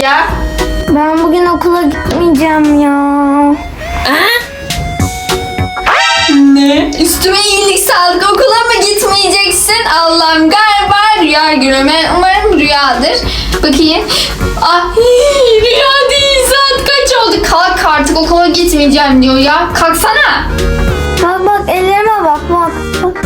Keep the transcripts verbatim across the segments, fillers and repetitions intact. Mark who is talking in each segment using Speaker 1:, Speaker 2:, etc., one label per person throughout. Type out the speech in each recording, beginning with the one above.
Speaker 1: ya?
Speaker 2: Ben bugün okula gitmeyeceğim ya.
Speaker 1: Ne? Üstüme iyilik sağlık, okula mı gitmeyeceksin? Allah'ım, galiba rüya görüyorum. Umarım rüyadır. Bakayım. Ah, hii, rüya değil, saat kaç oldu? Kalk artık, okula gitmeyeceğim diyor ya. Kalksana.
Speaker 2: Bak bak ellerime bak bak. bak.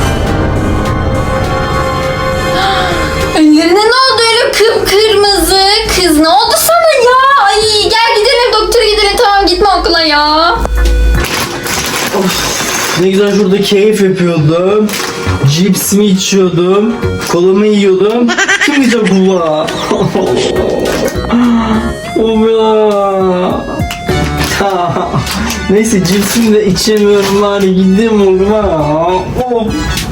Speaker 1: Ellerine ne oldu öyle kıpkırmızı? Kız ne oldu sana ya? Ay gel gidelim, doktora gidelim. Tamam, gitme okula ya.
Speaker 3: Of, ne güzel şurada keyif yapıyordum. Cipsimi içiyordum. Kolamı yiyordum. Kim gidecek okula? Of ya. Neyse cipsimi de içemiyorum bari gideyim okula. Of.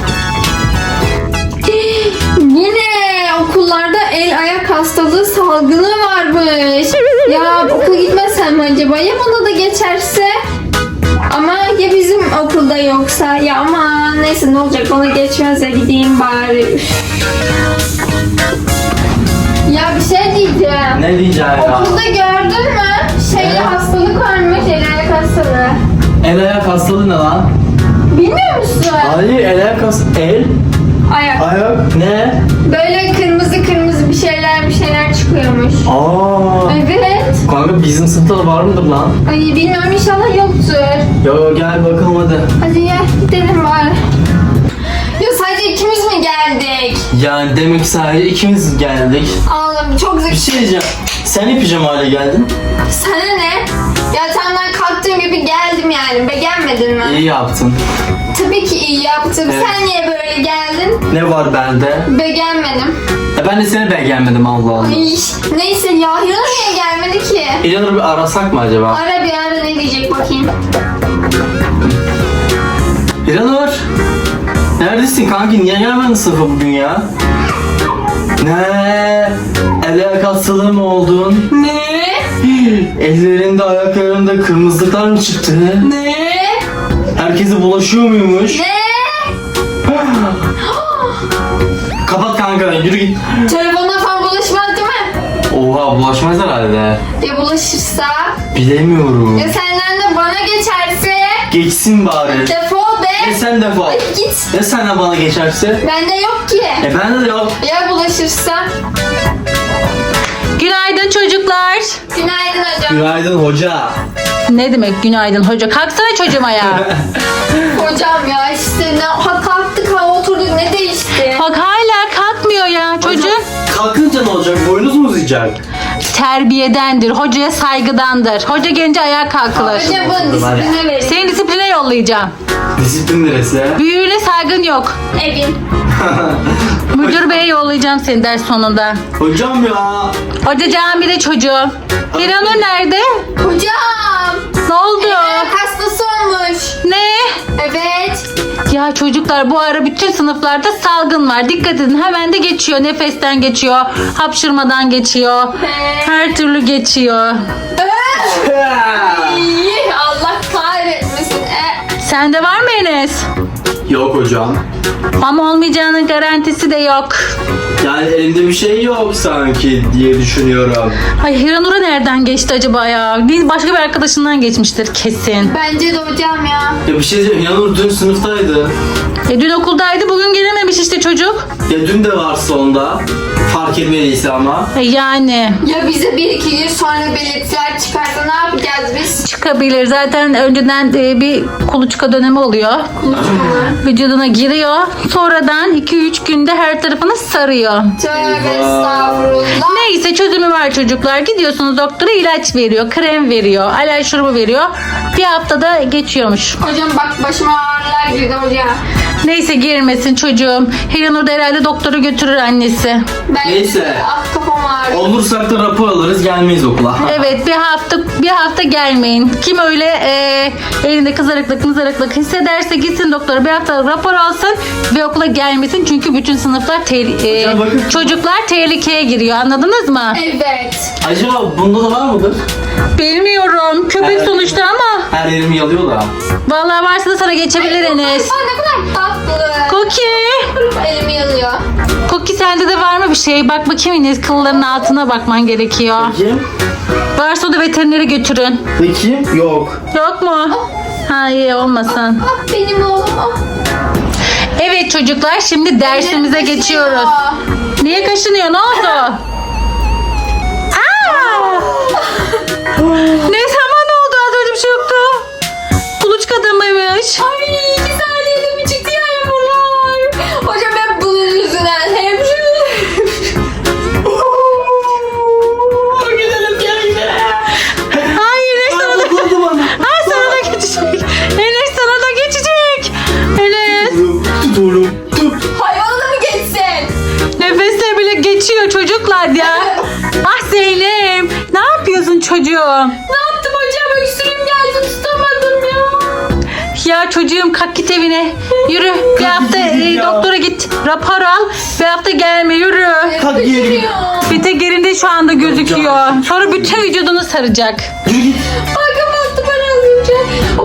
Speaker 1: Yine okullarda el ayak hastalığı salgını varmış. Ya okula gitmesem mi acaba? Ya bana da geçerse? Ama ya bizim okulda yoksa? Ya aman neyse, ne olacak, bana geçmez ya, gideyim bari. Üf. Ya bir şey diyeceğim.
Speaker 3: Ne diyeceğim ya?
Speaker 1: Okulda gördün mü? Şeyli
Speaker 3: Ne?
Speaker 1: hastalık varmış, el ayak hastalığı.
Speaker 3: El ayak hastalığı ne lan?
Speaker 1: Bilmiyor musun?
Speaker 3: Hayır el ayak hastalığı. El?
Speaker 1: Ayak.
Speaker 3: Ayak? Ne?
Speaker 1: Böyle kırmızı kırmızı bir şeyler bir şeyler çıkıyormuş.
Speaker 3: Aa.
Speaker 1: Evet.
Speaker 3: Kanka bizim sınıfta da var mıdır lan?
Speaker 1: Ay bilmiyorum, inşallah yoktur.
Speaker 3: Yo gel bakalım hadi.
Speaker 1: Hadi gel gidelim bari. Ya sadece ikimiz mi geldik?
Speaker 3: Yani demek ki sadece ikimiz geldik.
Speaker 1: Allah'ım çok
Speaker 3: Bir
Speaker 1: zeki.
Speaker 3: şey diyeceğim. Sen hep pijama geldin.
Speaker 1: Sana ne? Yatağımdan kalktığım gibi geldim yani. Beğenmedin mi?
Speaker 3: İyi yaptın.
Speaker 1: Tabii ki iyi yaptım.
Speaker 3: Evet.
Speaker 1: Sen niye böyle geldin?
Speaker 3: Ne var bende?
Speaker 1: Beğenmedim.
Speaker 3: E ben de seni beğenmedim Allah Allah.
Speaker 1: Ay, neyse ya. Yanır niye gelmedi ki?
Speaker 3: İlhanur'u bir arasak mı acaba?
Speaker 1: Ara bir ara, ne diyecek bakayım.
Speaker 3: İlhanur! Neredesin kanki? Niye gelmedin sınıfa bugün ya? Ne? El ayak hastalığı mı oldun?
Speaker 1: Ne?
Speaker 3: Ellerinde ayaklarında kırmızılıklar mı çıktı?
Speaker 1: Ne?
Speaker 3: Herkese bulaşıyor muymuş?
Speaker 1: Ne?
Speaker 3: Kapat kanka yürü git.
Speaker 1: Telefonuna falan bulaşmaz değil mi?
Speaker 3: Oha bulaşmaz herhalde.
Speaker 1: Ya bulaşırsa?
Speaker 3: Bilemiyorum.
Speaker 1: Ya senden de bana geçerse?
Speaker 3: Geçsin bari.
Speaker 1: Defol
Speaker 3: E
Speaker 1: be.
Speaker 3: sen defol.
Speaker 1: Hadi git.
Speaker 3: Ya sen de bana geçerse?
Speaker 1: Bende yok ki.
Speaker 3: E ben de yok.
Speaker 1: Ya bulaşırsa?
Speaker 4: Günaydın çocuklar.
Speaker 1: Günaydın hocam.
Speaker 3: Günaydın hoca.
Speaker 4: Ne demek günaydın hoca? Kalksana çocuğum ayağa.
Speaker 1: Hocam ya işte ne ha kalktık ha oturduk, ne değişti?
Speaker 4: Bak hala kalkmıyor ya çocuk.
Speaker 3: Kalkınca ne olacak? Boynuz mu uzayacak?
Speaker 4: Terbiyedendir, hocaya saygıdandır. Hoca gelince ayağa kalkılır.
Speaker 1: Hocam bunu disipline verin.
Speaker 4: Seni disipline yollayacağım.
Speaker 3: Disiplin neresi?
Speaker 4: Büyüğüne saygın yok.
Speaker 1: Evin.
Speaker 4: Müdür beye yollayacağım seni ders sonunda.
Speaker 3: Hocam ya.
Speaker 4: Hoca camide çocuğum. İranur nerede?
Speaker 1: Hocam.
Speaker 4: Ne oldu?
Speaker 1: Ayak hastası olmuş.
Speaker 4: Ne?
Speaker 1: Evet.
Speaker 4: Ya çocuklar bu ara bütün sınıflarda salgın var. Dikkat edin, hemen de geçiyor. Nefesten geçiyor. Hapşırmadan geçiyor. Her türlü geçiyor.
Speaker 1: İyi, Allah kahretmesin. E,
Speaker 4: Sende var mı Enes?
Speaker 3: Yok hocam.
Speaker 4: Ama olmayacağının garantisi de yok.
Speaker 3: Yani elimde bir şey yok sanki diye düşünüyorum.
Speaker 4: Ay Hiranur'a nereden geçti acaba ya? Değil, başka bir arkadaşından geçmiştir kesin.
Speaker 1: bence de hocam ya.
Speaker 3: Ya bir şey diyeceğim. Yanur dün sınıftaydı.
Speaker 4: E dün okuldaydı, bugün gelememiş işte çocuk.
Speaker 3: Ya dün de varsa onda. Fark etmediyse ama.
Speaker 4: E yani
Speaker 1: Ya bize bir iki gün sonra belirtiler çıkarsa ne yapacağız biz?
Speaker 4: çıkabilir. Zaten önceden e, bir kuluçka dönemi oluyor. Vücuduna giriyor. Sonradan iki üç günde her tarafını sarıyor.
Speaker 1: Tövbe estağfurullah.
Speaker 4: Neyse çözümü var çocuklar. Gidiyorsunuz doktora, ilaç veriyor, krem veriyor, alerji şurubu veriyor. Bir haftada geçiyormuş.
Speaker 1: Hocam bak başıma ağrılar girdi hocam.
Speaker 4: Neyse girmesin çocuğum. Hiranur da herhalde doktora götürür annesi.
Speaker 1: Ben
Speaker 3: Neyse.
Speaker 1: Ah kafam ağrıyor.
Speaker 3: Olursak da rapor alırız gelmeyiz okula.
Speaker 4: Evet, bir hafta bir hafta gelmeyin. Kim öyle e, elinde kızarıklık mızarıklık hissederse gitsin doktora, bir hafta rapor alsın ve okula gelmesin. Çünkü bütün sınıflar te- e,
Speaker 3: Hocam bakın.
Speaker 4: çocuklar tehlikeye giriyor, anladınız mı?
Speaker 1: Evet.
Speaker 3: Acaba bunda da var mıdır?
Speaker 4: Bilmiyorum, köpek
Speaker 3: Evet.
Speaker 4: sonuçta ama
Speaker 3: Her yerimi yalıyor da.
Speaker 4: vallahi varsa da sana geçebilir Enes.
Speaker 1: Aa, ne kadar tatlı.
Speaker 4: Cookie.
Speaker 1: Elimi yanıyor.
Speaker 4: Cookie sende de var mı bir şey? Bak bakayım Enes, kılların altına bakman gerekiyor.
Speaker 3: Bakayım.
Speaker 4: Varsa o da veterinere götürün.
Speaker 3: Bakayım. Yok.
Speaker 4: Yok mu? Ha iyi olmasın.
Speaker 1: Ah benim oğlum. Ah.
Speaker 4: Evet çocuklar, şimdi dersimize
Speaker 1: Ellerim
Speaker 4: geçiyoruz.
Speaker 1: kaşınıyor.
Speaker 4: Niye kaşınıyor? Ne oldu? Aa! Ne zaman oldu? Az önce bir şey yoktu. Kuluçka adamıymış.
Speaker 1: Ay iki saniyede mi çıktı ya yağmurlar? Hocam ben bunun yüzünden hep
Speaker 3: Gidelim gel gidelim.
Speaker 4: Hayır, Enes sana da...
Speaker 3: Dokundu bana.
Speaker 4: Ha, sana da geçecek. Enes sana da geçecek. Enes.
Speaker 3: Tut oğlum. Tut.
Speaker 1: hayvana da mı geçsin?
Speaker 4: Nefesle bile geçiyor çocuklar ya. Ah Zeynep. Ne yapıyorsun çocuğum?
Speaker 1: Ne yaptım hocam? Öksürüğüm geldi tutamadım ya.
Speaker 4: Ya çocuğum kalk git evine. Yürü. Bir hafta
Speaker 3: gideyim
Speaker 4: e,
Speaker 3: ya.
Speaker 4: doktora git. Rapor al. Bir hafta gelme, yürü.
Speaker 3: Kalk yiyelim.
Speaker 1: Öksürüyor.
Speaker 4: Bir tek yerinde şu anda gözüküyor. Sonra bütün vücudunu saracak.
Speaker 3: Yürü git.
Speaker 1: Bakın baktı bana az önce.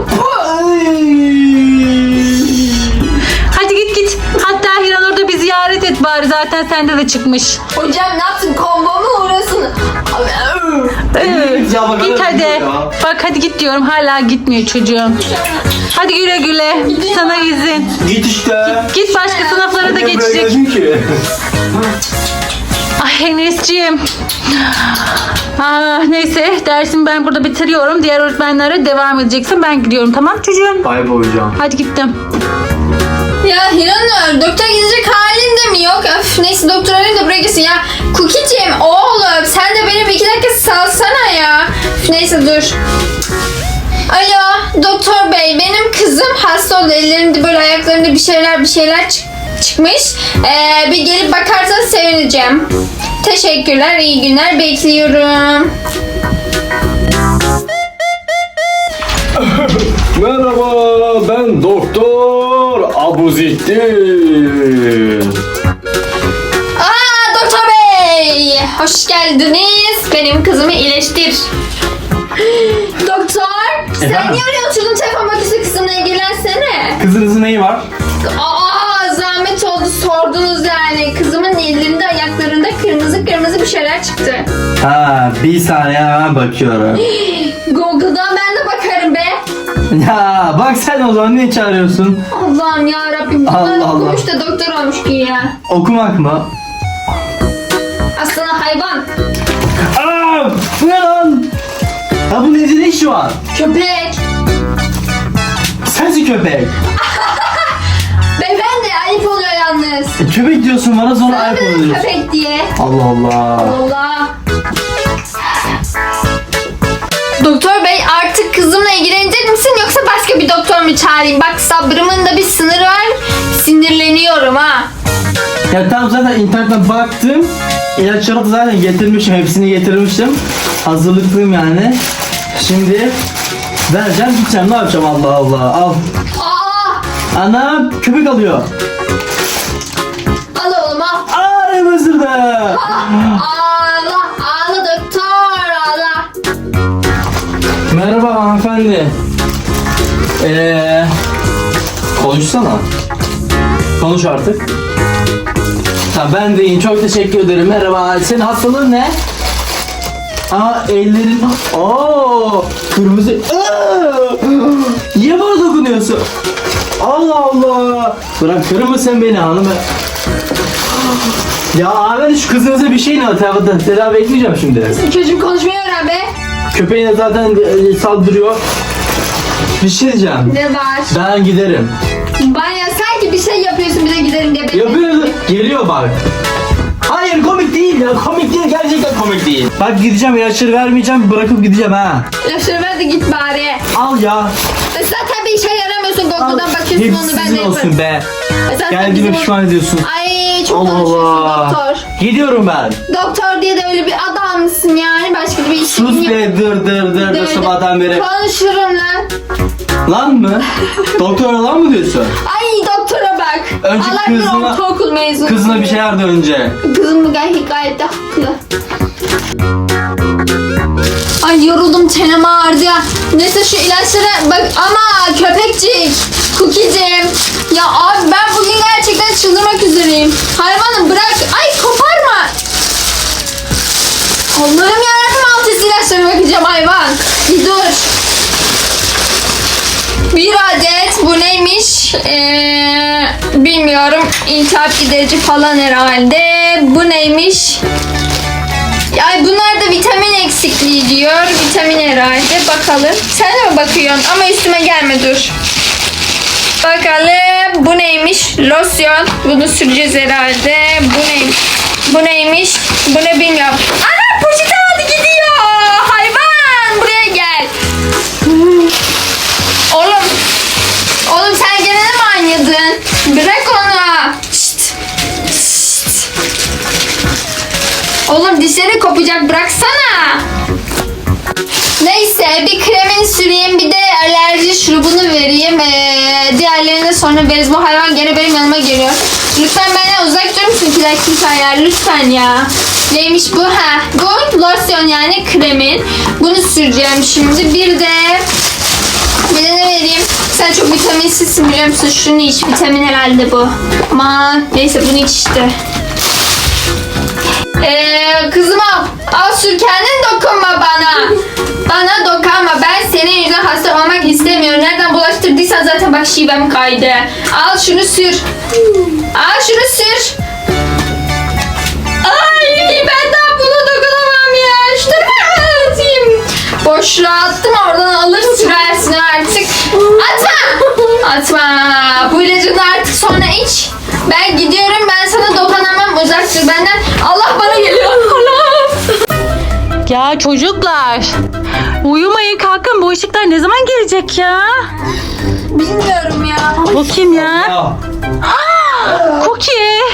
Speaker 4: Hadi git git. Hatta Hiran orada bir ziyaret et bari. Zaten sende de çıkmış.
Speaker 1: Hocam ne yaptın? Kombo mu uğrasın?
Speaker 4: Ee,
Speaker 3: Ya bakalım,
Speaker 4: git hadi.
Speaker 3: ya.
Speaker 4: Bak hadi git diyorum. Hala gitmiyor çocuğum. Hadi güle güle. Sana izin.
Speaker 3: Git işte.
Speaker 4: Git başka sınıflara da
Speaker 3: Niye buraya
Speaker 4: geçecek.
Speaker 3: geldin ki?
Speaker 4: Ay Enes'ciğim. Ah, neyse dersimi ben burada bitiriyorum. Diğer öğretmenlere devam edeceksin. Ben gidiyorum, tamam çocuğum.
Speaker 3: Bay bay hocam.
Speaker 4: Hadi gittim.
Speaker 1: Ya Hiranur, doktora gidecek halin de mi yok? Öf, neyse doktor arayayım da buraya gitsin. Ya Cookie'cim oğlum sen de benim iki dakika salsana ya. Üf, neyse dur. Alo doktor bey, benim kızım hasta oldu. Ellerinde böyle ayaklarında bir şeyler bir şeyler çık- çıkmış. Ee, bir gelip bakarsan sevineceğim. Teşekkürler, iyi günler, bekliyorum.
Speaker 5: Merhaba, ben Doktor Abuzettin.
Speaker 1: Aa doktor bey, hoş geldiniz. Benim kızımı iyileştir. Doktor, sen
Speaker 3: Efendim?
Speaker 1: niye oraya oturdun? Telefon makinesi kızımla ilgilensene.
Speaker 3: Kızınızın neyi var?
Speaker 1: Aa zahmet oldu, sordunuz yani. Kızımın ellerinde ayaklarında kırmızı kırmızı bir şeyler çıktı.
Speaker 3: Ha, bir saniye hemen bakıyorum.
Speaker 1: Google'dan ben de bakarım be.
Speaker 3: Ya bak sen o zaman niye çağırıyorsun?
Speaker 1: Allah'ım ya Rabbim. Bunlar
Speaker 3: Allah Allah.
Speaker 1: okumuş da doktor olmuş ki ya.
Speaker 3: Okumak mı?
Speaker 1: Aslında hayvan.
Speaker 3: Aa, bu ne lan? Ya bu nedir ne şu an?
Speaker 1: Köpek.
Speaker 3: Sensin köpek.
Speaker 1: Beyefendi ayıp oluyor yalnız.
Speaker 3: E, köpek diyorsun bana sonra ayıp
Speaker 1: Öyle
Speaker 3: oluyorsun.
Speaker 1: köpek diye.
Speaker 3: Allah Allah.
Speaker 1: Allah. Doktor bey artık kızımla ilgilenecek misin yoksa başka bir doktor mu çağırayım? Bak sabrımın da bir sınırı var. Sinirleniyorum ha.
Speaker 3: Ya tamam zaten internetten baktım. İlaçları da zaten getirmişim. Hepsini getirmişim. Hazırlıklıyım yani. Şimdi vereceğim gideceğim. Ne yapacağım Allah Allah. Al.
Speaker 1: Aa,
Speaker 3: Anam köpek alıyor.
Speaker 1: al oğlum al.
Speaker 3: Aa ne mızırdı.
Speaker 1: Ağla, ağla doktor ağla.
Speaker 3: Merhaba hanımefendi. Eee konuşsana. Konuş artık. Ha ben de iyiyim. Çok teşekkür ederim. Merhaba. Senin hastalığın ne? Aa ellerin. Aa kırmızı. Aa, niye bana dokunuyorsun? Allah Allah. Bırakır mısın beni hanım? Ya abi şu kızınıza bir şey ne atamadı? Tedavi etmeyeceğim şimdi.
Speaker 1: Çocuğum konuşmayı öğren be.
Speaker 3: Köpeğine zaten e, saldırıyor. Bir şey diyeceğim.
Speaker 1: Ne var?
Speaker 3: Ben giderim.
Speaker 1: Baya sanki bir şey yapıyorsun bize gidelim diye. bekle.
Speaker 3: Yapıyor. Geliyor bak. Hayır komik değil ya. Komik değil. Gerçekten komik değil. Bak gideceğim. İlaçları vermeyeceğim. Bırakıp gideceğim ha.
Speaker 1: İlaçları ver de git bari.
Speaker 3: Al ya.
Speaker 1: E zaten bir işe yaramıyorsun.
Speaker 3: Al.
Speaker 1: Google'dan bakıyorsun
Speaker 3: Hepsi
Speaker 1: onu ben de
Speaker 3: sizin
Speaker 1: yaparım.
Speaker 3: olsun be.
Speaker 1: E zaten
Speaker 3: Geldiğime
Speaker 1: bizim-
Speaker 3: pişman ediyorsun.
Speaker 1: Ay çok
Speaker 3: Allah
Speaker 1: konuşuyorsun
Speaker 3: Allah.
Speaker 1: doktor.
Speaker 3: Gidiyorum ben.
Speaker 1: Doktor diye de öyle bir adam mısın yani? Başka bir işin
Speaker 3: Sus
Speaker 1: yok.
Speaker 3: be dır dır dır dır sabahtan beri.
Speaker 1: Konuşurum lan.
Speaker 3: Lan mı? Doktora lan mı diyorsun?
Speaker 1: Ay doktora bak.
Speaker 3: Önce
Speaker 1: Allah bilir
Speaker 3: kızına-
Speaker 1: ortaokul mezunu.
Speaker 3: Kızına bir şey verdi önce.
Speaker 1: Kızım gayet, gayet de haklı. Ay yoruldum, çenem ağrıdı ya. Neyse şu ilaçlara bak ama köpekcik, Cookie'cim. Ya abi ben bugün gerçekten çıldırmak üzereyim. Hayvanım bırak. Ay koparma. Allah'ım yarabbim alt üst ilaçlarına bakacağım hayvan. Bir dur. Bir adet bu neymiş? Ee, bilmiyorum. İltihap giderici falan herhalde. Bu neymiş? Ay bunlar da vitamin eksikliği diyor. Vitamin herhalde. Bakalım. Sen de mi bakıyorsun? Ama üstüme gelme dur. Bakalım. Bu neymiş? Losyon. Bunu süreceğiz herhalde. Bu neymiş? Bu neymiş? Bu ne bilmiyorum. Ana poşeti aldı gidiyor. Hayvan. Buraya gel. Oğlum. Oğlum sen gene de mi oynadın? Bırak onu. Şşt. Şşt. Oğlum dişleri kopacak bıraksana. Neyse bir kremini süreyim bir de alerji şurubunu vereyim. Ee, diğerlerini sonra veririz. Bu hayvan gene benim yanıma geliyor. Lütfen benden uzak durur musun plakintaylar lütfen ya. Neymiş bu? Ha, bu losyon yani kremin. Bunu süreceğim şimdi. Bir de bir de ne vereyim? Sen çok vitaminsizsin biliyor musun? Şunu iç. Vitamin herhalde bu. Aman neyse bunu iç işte. Ee, kızım al. Al sür kendin dokunma bana. Bana dokunma. Ben senin yüzünden hasta olmak istemiyorum. Nereden bulaştırdıysan zaten bak şivem kaydı. Al şunu sür. Al şunu sür. Ay ben daha buna dokunamam ya. Şunu ben atayım. Boşluğa attım oradan alır sürersin artık. Atma. Atma. Bu ilacını artık sonra iç. Ben gidiyorum. Ben sana dokunamam. Uzak dur benden. Allah bana geliyor. Allah'ım.
Speaker 4: Ya çocuklar. Uyumayın kalkın. Bu ışıklar ne zaman gelecek ya?
Speaker 1: Bilmiyorum ya.
Speaker 4: Bu kim ya?
Speaker 3: Ya.
Speaker 4: Cookie.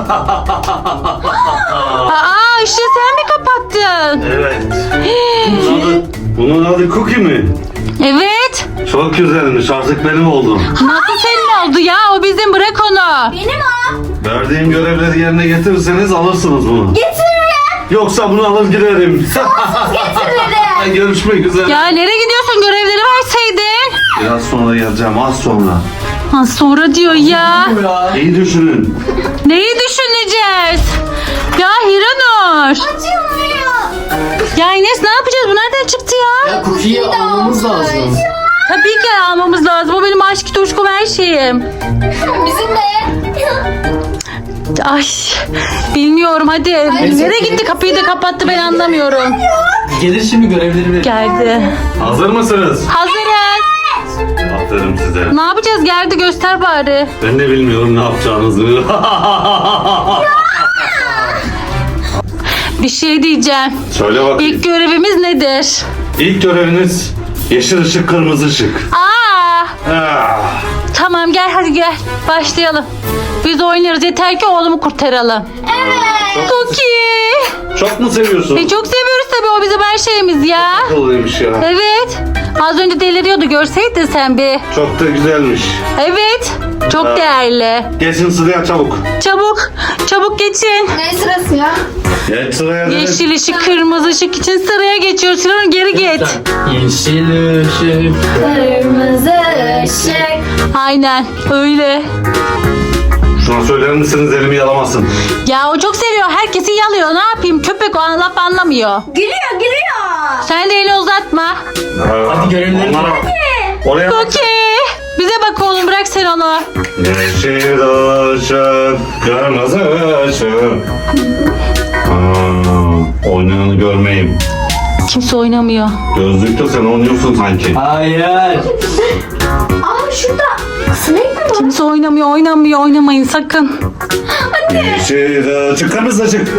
Speaker 4: Aa ışığı sen mi kapattın?
Speaker 5: Evet. Bunun adı, bunun adı Cookie mi?
Speaker 4: Evet.
Speaker 5: Çok güzelmiş. Artık benim oldu.
Speaker 4: Nasıl senin oldu ya? O bizim, bırak onu.
Speaker 2: Benim o.
Speaker 5: Verdiğim görevleri yerine getirirseniz alırsınız bunu.
Speaker 2: Getiririm.
Speaker 5: Yoksa bunu alır giderim.
Speaker 2: Getiririm.
Speaker 5: Görüşmek üzere.
Speaker 4: Ya nereye gidiyorsun? Görevleri verseydin.
Speaker 5: Biraz sonra geleceğim. Az sonra.
Speaker 4: Ha, sonra diyor ya.
Speaker 3: Ya.
Speaker 5: İyi düşünün.
Speaker 4: Neyi düşüneceğiz? Ya Hiranur.
Speaker 2: Açılmıyor.
Speaker 4: Ya Enes ne yapacağız? Bu nereden çıktı ya?
Speaker 3: Ya cookie'yi almamız lazım.
Speaker 4: Tabii ki almamız lazım. O benim aşk tutuşkum her şeyim.
Speaker 1: Bizim de.
Speaker 4: Ay bilmiyorum hadi. Nereye gitti? Kapıyı da kapattı, ben anlamıyorum.
Speaker 3: Gelir şimdi görevleri verir.
Speaker 4: Geldi.
Speaker 5: Hazır mısınız?
Speaker 4: Hazırız.
Speaker 5: Aferin size.
Speaker 4: Ne yapacağız? Geldi, göster bari.
Speaker 5: Ben de bilmiyorum ne yapacağınızı.
Speaker 4: Bir şey diyeceğim.
Speaker 5: Söyle bakayım.
Speaker 4: İlk görevimiz nedir?
Speaker 5: İlk göreviniz yeşil ışık, kırmızı ışık.
Speaker 4: Aa!
Speaker 5: Ah.
Speaker 4: Tamam gel hadi gel. Başlayalım. Biz oynarız, yeter ki oğlumu kurtaralım.
Speaker 2: Evet.
Speaker 4: Cookie.
Speaker 5: Çok mu seviyorsun?
Speaker 4: E, çok seviyoruz tabii, o bizim her şeyimiz ya.
Speaker 5: Akıllıymış ya.
Speaker 4: Evet. Az önce deliriyordu, görseydin sen bir.
Speaker 5: Çok da güzelmiş.
Speaker 4: Evet. Çok
Speaker 5: Ha.
Speaker 4: değerli.
Speaker 5: Geçin sıraya çabuk.
Speaker 4: Çabuk. Çabuk geçin.
Speaker 1: Ne sırası ya?
Speaker 5: Geç sıraya. dedim.
Speaker 4: Yeşil ışık, kırmızı ışık için sıraya geçiyoruz. Sıranın geri git.
Speaker 3: Yeşil ışık.
Speaker 2: Kırmızı ışık.
Speaker 4: Aynen öyle.
Speaker 5: Şuna söyler misiniz elimi yalamasın.
Speaker 4: Ya o çok seviyor. Herkesi yalıyor. Ne yapayım? Köpek o an laf anlamıyor.
Speaker 2: Gülüyor gülüyor.
Speaker 4: Sen de elini uzatma.
Speaker 3: Hadi görevleri
Speaker 5: Onlara- Oraya bak.
Speaker 4: Cookie. Bize bak oğlum, bırak sen onu.
Speaker 5: Yeşil ışık, kırmızı ışık. Aa, oynayanı görmeyeyim.
Speaker 4: Kimse oynamıyor.
Speaker 5: Gözlükte sen oynuyorsun sanki.
Speaker 3: Hayır.
Speaker 2: Aa şurada. Sinek mi var?
Speaker 4: Kimse oynamıyor, oynamıyor, oynamayın sakın.
Speaker 5: Yeşil ışık, kırmızı ışık.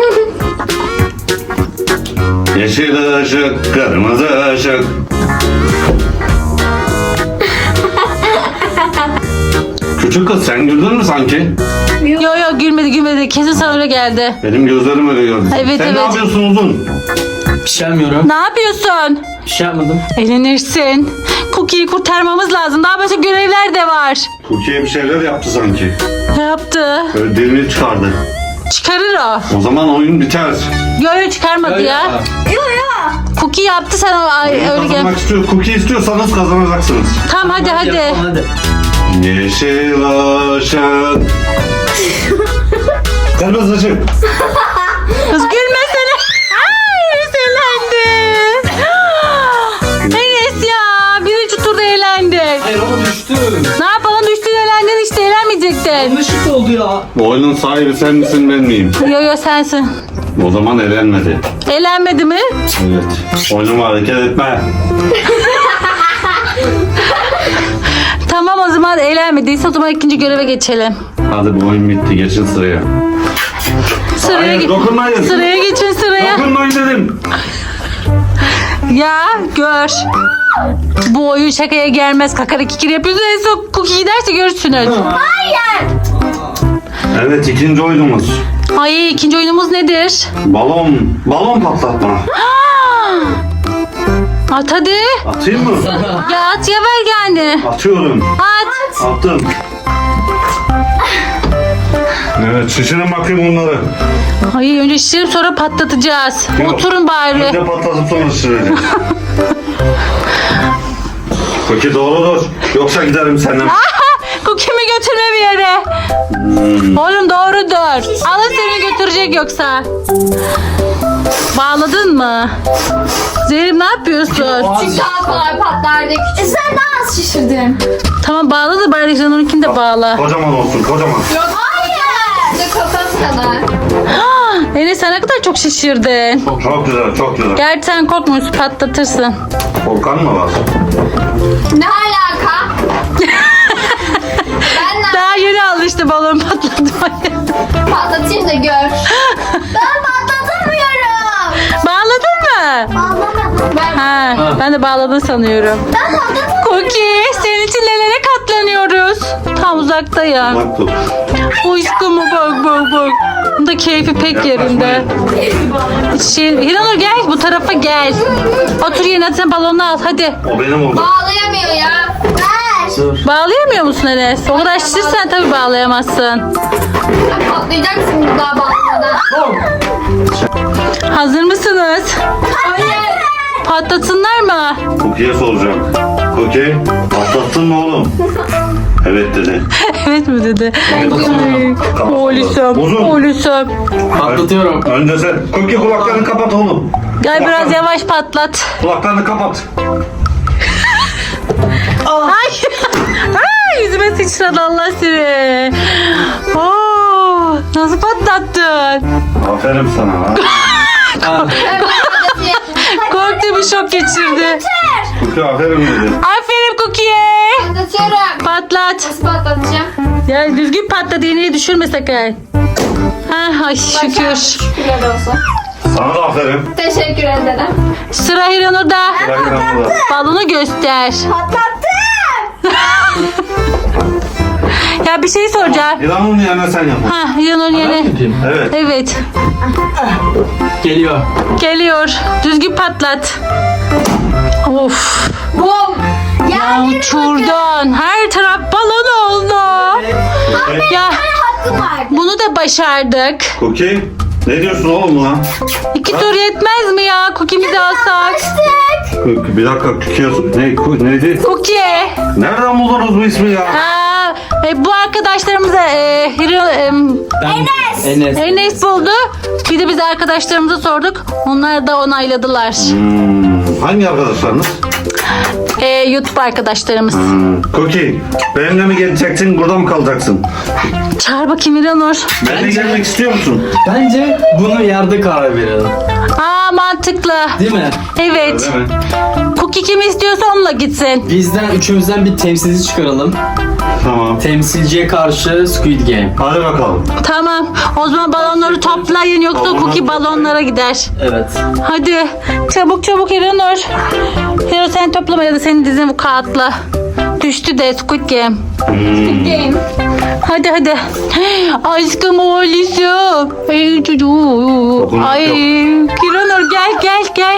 Speaker 5: Yeşil ışık, kırmızı ışık. Küçük kız sen güldün mü sanki?
Speaker 4: Yo yo gülmedi gülmedi. Kesin sana öyle geldi.
Speaker 5: Benim gözlerim öyle gördü.
Speaker 4: Evet,
Speaker 5: sen
Speaker 4: evet.
Speaker 5: ne yapıyorsun uzun?
Speaker 3: Bir şey yapmıyorum.
Speaker 4: Ne yapıyorsun?
Speaker 3: Bir şey yapmadım.
Speaker 4: Eğlenirsin. Cookie'yi kurtarmamız lazım. Daha başka görevler de var.
Speaker 5: Türkiye bir şeyler yaptı sanki.
Speaker 4: Ne yaptı?
Speaker 5: Böyle dilini çıkardı.
Speaker 4: Çıkarır o.
Speaker 5: O zaman oyun biter.
Speaker 4: Yo yo çıkarmadı ya.
Speaker 2: Yo yo.
Speaker 4: Cookie yaptı, sen o ay,
Speaker 5: Oyun
Speaker 4: öyle gel.
Speaker 5: kazanmak istiyor. Cookie istiyorsanız kazanacaksınız.
Speaker 4: Tamam hadi hadi.
Speaker 3: Yapalım, hadi.
Speaker 5: Yeşil ışık. Kırmızı ışık.
Speaker 4: Kız gülmesene. Ay Enes eğlendi. Enes ya birinci turda eğlendin.
Speaker 3: Hayır ama düştü.
Speaker 4: Ne yapalım düştün eğlendin işte eğlenmeyecektin.
Speaker 3: Yanlışlıkla oldu ya.
Speaker 5: Bu oyunun sahibi sen misin ben miyim?
Speaker 4: Yo yo sensin.
Speaker 5: O zaman elenmedi.
Speaker 4: Eğlenmedi mi?
Speaker 5: Evet. Oynama hareket etme.
Speaker 4: Tamam o zaman eğlenmediyse o zaman ikinci göreve geçelim.
Speaker 5: Hadi bu oyun bitti. Geçin sıraya.
Speaker 4: Sıraya,
Speaker 5: Hayır,
Speaker 4: ge-
Speaker 5: dokunmayın.
Speaker 4: sıraya geçin sıraya.
Speaker 5: Dokunmayın dedim.
Speaker 4: Ya gör. Bu oyun şakaya gelmez. Kakara kikir yapıyorsun. En son Cookie giderse görürsünüz.
Speaker 5: Evet, ikinci oyunumuz.
Speaker 4: Ay ikinci oyunumuz nedir?
Speaker 5: Balon. Balon patlatma.
Speaker 4: At hadi.
Speaker 5: Atayım mı?
Speaker 4: Ya at ya ver yani.
Speaker 5: Atıyorum.
Speaker 4: At.
Speaker 5: Attım. Evet, şişirin bakayım onları.
Speaker 4: Ay önce şişirip sonra patlatacağız.
Speaker 5: Yok.
Speaker 4: Oturun bari.
Speaker 5: Önce patlatıp sonra şişireceğiz. Peki doğrudur. Yoksa giderim senden.
Speaker 4: Cookie'mi götürme bir yere. Oğlum doğrudur. Alın seni götürecek yoksa. Bağladın mı? Zeynep ne yapıyorsun?
Speaker 1: Çünkü daha kolay patlardı. Küçük.
Speaker 2: Sen daha az şişirdin.
Speaker 4: Tamam bağla da bari Canon'unkini de bağla.
Speaker 5: Kocaman olsun, kocaman.
Speaker 1: Yok hayır. İşte kafam kadar.
Speaker 4: Enes sen ne kadar çok şişirdin.
Speaker 5: Çok güzel, çok güzel.
Speaker 4: Gerçi sen korkmuyorsun patlatırsın.
Speaker 5: Volkan mı var?
Speaker 1: Ne alaka? Ben ne
Speaker 4: Daha yeni alıştı balon patlatmaya.
Speaker 1: patlatayım da gör.
Speaker 2: Ben patlatamıyorum.
Speaker 4: Bağladın mı?
Speaker 2: Ağlamadım.
Speaker 1: Ben
Speaker 4: Ha, ben de bağladın sanıyorum.
Speaker 2: Ben patlatamıyorum.
Speaker 4: Cookie senin için nelere katlanıyoruz. Tam uzaktayım.
Speaker 5: Bak tut.
Speaker 4: Aşkım bak bak bak. Bunun da keyfi pek yerinde. Şey, Hiranur gel bu tarafa gel. Otur yerine sen balonu al hadi.
Speaker 5: O benim oldu.
Speaker 1: bağlayamıyor ya.
Speaker 2: Ver.
Speaker 3: Dur.
Speaker 4: Bağlayamıyor musun Enes? O kadar şişirsen tabii bağlayamazsın.
Speaker 1: Sen patlayacaksın daha bağlamadan.
Speaker 4: Hazır mısınız?
Speaker 1: Hayır.
Speaker 4: Patlatsınlar mı?
Speaker 5: Cookie'ye soracağım. Cookie, patlattın mı oğlum? Evet dedi.
Speaker 4: Evet mi dedi?
Speaker 5: Tamam.
Speaker 4: Oğlum,
Speaker 5: Uzun.
Speaker 4: oğlum.
Speaker 3: Patlatıyorum.
Speaker 5: Önce sen. Cookie kulaklarını kapat oğlum.
Speaker 4: Gel biraz yavaş patlat.
Speaker 5: Kulaklarını kapat.
Speaker 4: Ay, ay yüzüme sıçradı Allah seni. Oo, nasıl patlattın?
Speaker 5: Aferin sana. Ha.
Speaker 3: Ha.
Speaker 4: Korktu bir şok geçirdi.
Speaker 5: Cookie aferin dedi.
Speaker 4: Aferin Cookie'ye.
Speaker 1: Patlatıyorum.
Speaker 4: Patlat.
Speaker 1: Nasıl patlatacağım?
Speaker 4: Ya düzgün patlat iğneyi düşürme sakın. Ha, ay şükür.
Speaker 1: Şükürler olsun.
Speaker 5: Sana da aferin.
Speaker 1: Teşekkür ederim.
Speaker 4: Sıra Hiranur'da.
Speaker 5: Bırak İran'ı da.
Speaker 4: Balonu göster.
Speaker 2: Patlattım.
Speaker 4: Ya bir şey soracağım.
Speaker 5: İran'ın yerine sen yap.
Speaker 4: Ha Hiranur
Speaker 3: Ben
Speaker 4: yeni.
Speaker 3: yapayım.
Speaker 5: Evet.
Speaker 4: Evet.
Speaker 3: Geliyor.
Speaker 4: Geliyor. Düzgün patlat. Of.
Speaker 1: Bum.
Speaker 4: Ya uçurdun. Her taraf balon oldu.
Speaker 5: Cookie.
Speaker 4: Ya
Speaker 2: Hakkım var.
Speaker 4: bunu da başardık.
Speaker 5: Cookie. Ne diyorsun oğlum buna?
Speaker 4: İki tur yetmez mi ya? Cookie'mizi alsak.
Speaker 5: Cookie, bir dakika Cookie'ye sor. Ne, Cookie- neydi?
Speaker 4: Cookie.
Speaker 5: Nereden buldunuz bu ismi ya?
Speaker 4: Aa, e, bu arkadaşlarımıza e, Hiro, e,
Speaker 3: Ben, Enes.
Speaker 4: Enes buldu. Bir de biz arkadaşlarımıza sorduk. Onlar da onayladılar.
Speaker 5: Hmm, hangi arkadaşlarınız?
Speaker 4: E, YouTube arkadaşlarımız.
Speaker 5: Hmm. Cookie, benimle mi geleceksin, burada mı kalacaksın?
Speaker 4: Çağır bakayım İranur.
Speaker 5: Benimle gelmek istiyor musun?
Speaker 3: Bence bunu yerde karar verelim.
Speaker 4: Aa mantıklı.
Speaker 3: Değil mi?
Speaker 4: Evet.
Speaker 5: Öyle mi?
Speaker 4: Cookie kim istiyorsa onunla gitsin.
Speaker 3: Bizden üçümüzden bir temsilci çıkaralım.
Speaker 5: Tamam.
Speaker 3: Temsilciye karşı Squid Game.
Speaker 5: Hadi bakalım.
Speaker 4: Tamam. O zaman balonları toplayın yoksa
Speaker 5: Balonları
Speaker 4: Cookie
Speaker 5: toplayın.
Speaker 4: balonlara gider.
Speaker 3: Evet.
Speaker 4: Hadi çabuk çabuk İranur. Hero sen toplama ya da senin dizin bu kağıtla. Düştü de Squid Game.
Speaker 5: Hmm.
Speaker 1: Game.
Speaker 4: Hadi hadi. Aşkım oğlum. Ay çocuğum.
Speaker 5: Dokunmak
Speaker 4: Ay
Speaker 5: yok.
Speaker 4: İranur gel gel gel.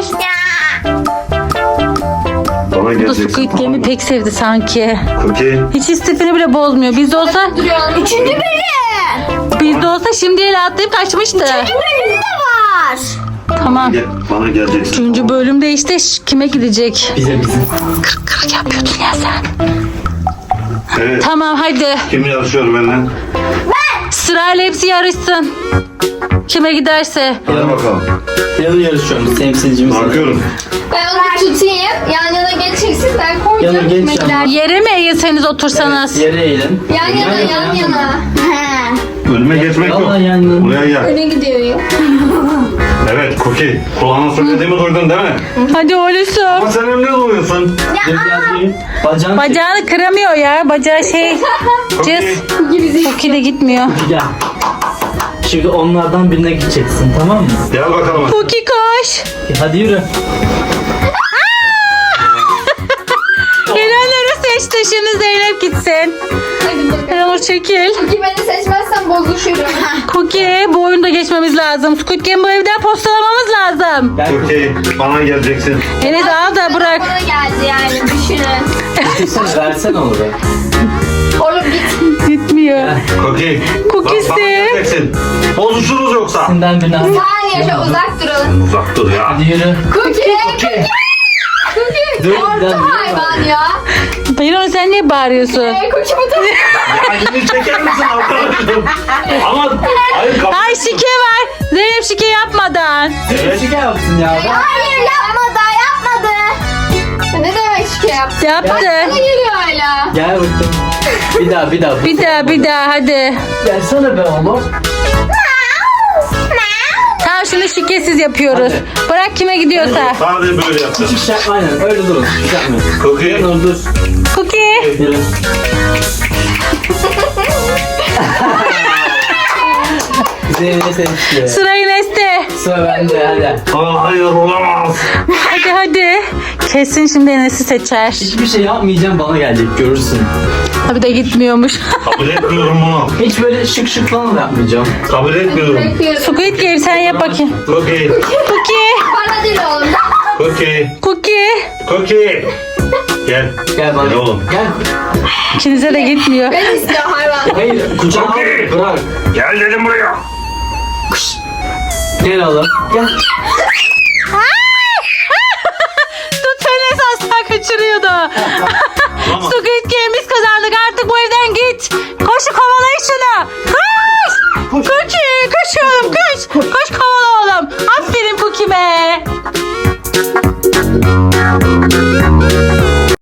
Speaker 5: Bana
Speaker 4: Bu
Speaker 5: geleceksin.
Speaker 4: Squid Game'i pek sevdi sanki.
Speaker 5: Cookie.
Speaker 4: Hiç istifini bile bozmuyor. Bizde olsa
Speaker 1: Duruyorum.
Speaker 2: Üçüncü bölüm.
Speaker 4: bizde olsa şimdi el atlayıp kaçmıştı.
Speaker 2: Bölüm de var.
Speaker 4: Tamam.
Speaker 5: Gel, bana geleceksin.
Speaker 4: Üçüncü bölümde işte ş- kime gidecek?
Speaker 3: Bize bize.
Speaker 4: Kırk kırk yapıyordun ya sen.
Speaker 5: Evet.
Speaker 4: Tamam hadi.
Speaker 5: Kim yarışıyor benimle?
Speaker 4: Sırayla hepsi yarışsın. Kime giderse.
Speaker 5: Hadi bakalım.
Speaker 3: Yarın yarışıyoruz temsilcimiz.
Speaker 5: Bakıyorum.
Speaker 1: Ben onu tutayım. Yan yana geçeceksin. Ben
Speaker 3: Yana
Speaker 1: koyacağım.
Speaker 3: geç
Speaker 1: Kime
Speaker 3: ama.
Speaker 1: gider?
Speaker 4: Yere mi eğilseniz otursanız?
Speaker 3: Yere eğilin.
Speaker 1: Yan yana yan yana.
Speaker 5: Önüme geçmek yok.
Speaker 3: Vallahi yani.
Speaker 5: Buraya gel.
Speaker 1: Öne gidiyor ya.
Speaker 5: Evet Cookie. Kulağına söylediğimi duydun değil mi?
Speaker 4: Hadi oğlum.
Speaker 5: Ama sen emniyet oluyorsun.
Speaker 3: Dur biraz yürüyün. Bacağını çek.
Speaker 4: Bacağını kıramıyor ya. Bacağı şey.
Speaker 5: Cookie.
Speaker 4: Cız.
Speaker 1: Gibi zil.
Speaker 4: Cookie de gitmiyor.
Speaker 3: Gel. Şimdi onlardan birine gideceksin, tamam mı?
Speaker 5: Gel bakalım.
Speaker 4: Cookie koş.
Speaker 3: Hadi yürü.
Speaker 4: Gelenleri seçti. Şimdi Zeynep gitsin.
Speaker 1: Hadi bakalım.
Speaker 4: Yağmur çekil.
Speaker 1: Çünkü beni seçmezsen bozuşurum.
Speaker 4: Cookie bu oyunda geçmemiz lazım. Squid Game bu evden postalamamız lazım.
Speaker 3: Gel
Speaker 5: Cookie. Bana geleceksin.
Speaker 4: Enes al da bırak.
Speaker 1: Bana geldi yani düşünün.
Speaker 3: sen versen olur.
Speaker 1: Oğlum git.
Speaker 4: Gitmiyor.
Speaker 5: Cookie.
Speaker 4: Cookie'si.
Speaker 5: Bak, bana geleceksin. Bozuşuruz yoksa.
Speaker 3: Senden birine al.
Speaker 1: Saniye şu uzak durun.
Speaker 5: Uzak dur ya.
Speaker 3: Hadi yürü.
Speaker 1: Cookie. Cookie.
Speaker 3: Dur,
Speaker 1: Korktu
Speaker 3: bir daha-
Speaker 1: hayvan ya.
Speaker 4: Bayron sen niye bağırıyorsun?
Speaker 1: Ee, Cookie bu da.
Speaker 5: Elini çeker misin arkadaşım? Ama hayır kapı.
Speaker 4: Ay şike var. Zeynep şike yapmadan.
Speaker 5: Evet.
Speaker 3: Şike yapsın ya.
Speaker 1: Hayır yapmadı yapmadı. Ne demek şike yaptı?
Speaker 4: Yaptı.
Speaker 1: Bana geliyor hala.
Speaker 3: Gel bakayım. Bir daha bir daha.
Speaker 4: Bir daha bir daha hadi.
Speaker 3: Gelsene be oğlum.
Speaker 4: Tamam şunu şikesiz yapıyoruz. Bırak kime gidiyorsa.
Speaker 5: Sadece böyle yapacağız.
Speaker 3: Hiçbir şey yapma, aynen öyle durun. Hiç şey yapmayın.
Speaker 5: Cookie.
Speaker 3: Dur dur.
Speaker 4: Cookie.
Speaker 3: Yürü. Zeynep seçti.
Speaker 4: Sırayı Nes'te.
Speaker 3: Sıra bende hadi.
Speaker 5: Aa, hayır olamaz.
Speaker 4: Hadi hadi. Kesin şimdi Enes'i seçer.
Speaker 3: Hiçbir şey yapmayacağım, bana gelecek, görürsün.
Speaker 4: Tabii de gitmiyormuş.
Speaker 5: Kabul etmiyorum bunu.
Speaker 3: Hiç böyle şık şık falan da yapmayacağım.
Speaker 5: Kabul etmiyorum.
Speaker 1: Bekliyorum.
Speaker 4: Squid Game sen yap bakayım.
Speaker 5: Cookie.
Speaker 4: Cookie.
Speaker 1: Bana değil oğlum.
Speaker 5: Cookie.
Speaker 4: Cookie.
Speaker 5: Cookie. Gel.
Speaker 3: Gel bana.
Speaker 5: Gel oğlum.
Speaker 3: Gel.
Speaker 4: İkinize de gitmiyor.
Speaker 1: Ben istiyorum hayvan.
Speaker 3: Hayır, kucağına al, bırak.
Speaker 5: Gel dedim buraya.
Speaker 3: Gel oğlum. Gel.
Speaker 4: Tut Enes asla kaçırıyordu.
Speaker 5: Tamam.
Speaker 4: Squid Game biz kazandık artık bu evden git. Koş kovalayın şunu. Koş.
Speaker 3: Koş.
Speaker 4: Cookie koş oğlum koş. Koş kovala